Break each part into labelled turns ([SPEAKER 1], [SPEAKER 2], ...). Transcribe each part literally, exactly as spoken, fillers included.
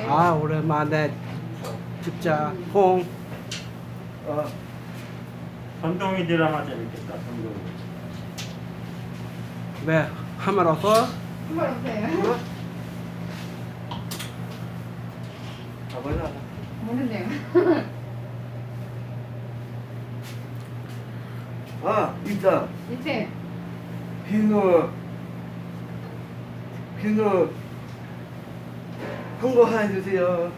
[SPEAKER 1] 아 오랜만에 찍자 홍.
[SPEAKER 2] 어,
[SPEAKER 3] 전동이 드라마 재밌겠다. 전동이.
[SPEAKER 1] 왜 하면 없어?
[SPEAKER 4] 한번 오세요.
[SPEAKER 2] 가보자.
[SPEAKER 4] 모르네요.
[SPEAKER 2] 아, 있다.
[SPEAKER 4] 이제
[SPEAKER 2] 비누, 비누, 홍보 하나 해주세요.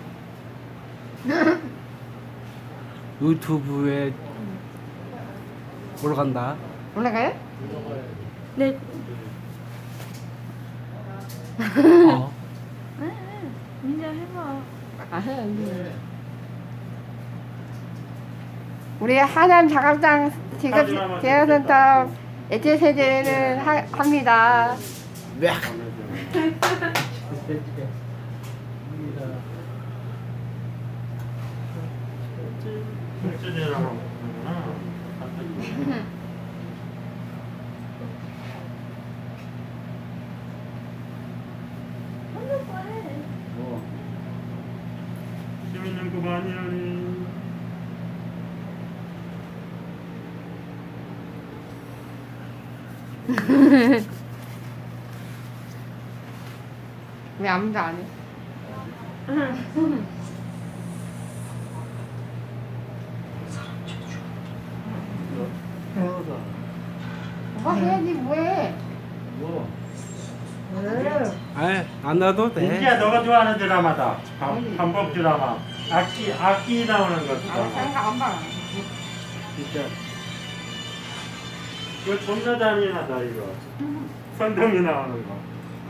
[SPEAKER 1] 유튜브에 올라간다.
[SPEAKER 4] 올라가요?
[SPEAKER 5] 네.
[SPEAKER 1] 어.
[SPEAKER 5] 민자 해봐.
[SPEAKER 4] 아, 해요. 우리 하남 작업장 지급 대여센터 애체 세제를 하, 합니다.
[SPEAKER 1] 왜?
[SPEAKER 3] 실제 드라마 보는구나.
[SPEAKER 2] 뭐,
[SPEAKER 3] 재밌는 거 많이 하네.
[SPEAKER 4] 왜 아무도 안 해?
[SPEAKER 2] 해보자.
[SPEAKER 4] 오빠 해야지 뭐해?
[SPEAKER 2] 뭐,
[SPEAKER 1] 아이 안 놔도 돼.
[SPEAKER 3] 민지야, 너가 좋아하는 드라마다. 방, 방법 드라마. 악기, 악기 나오는 거.
[SPEAKER 4] 아,
[SPEAKER 3] 드라마.
[SPEAKER 4] 생각 안 봐.
[SPEAKER 2] 진짜.
[SPEAKER 3] 이거 존나 잔인하다, 이거. 선동이 나오는 거.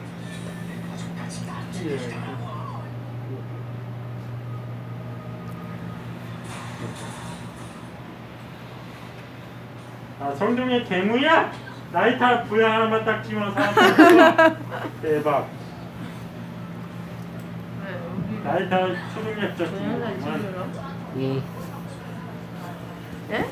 [SPEAKER 3] 아, 성동의 괴물이야? 라이터 부양 하나만 딱 집어서 대박. 라이터 초능력적 기능만.
[SPEAKER 1] 응.
[SPEAKER 5] 예?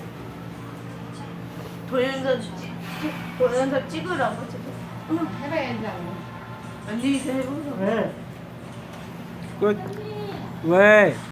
[SPEAKER 5] 동영상 찍- 동영상 찍으라고 지금.
[SPEAKER 4] 해봐야지.
[SPEAKER 5] 안녕히 계세요 해보자.
[SPEAKER 3] 네.
[SPEAKER 1] 끝. 왜?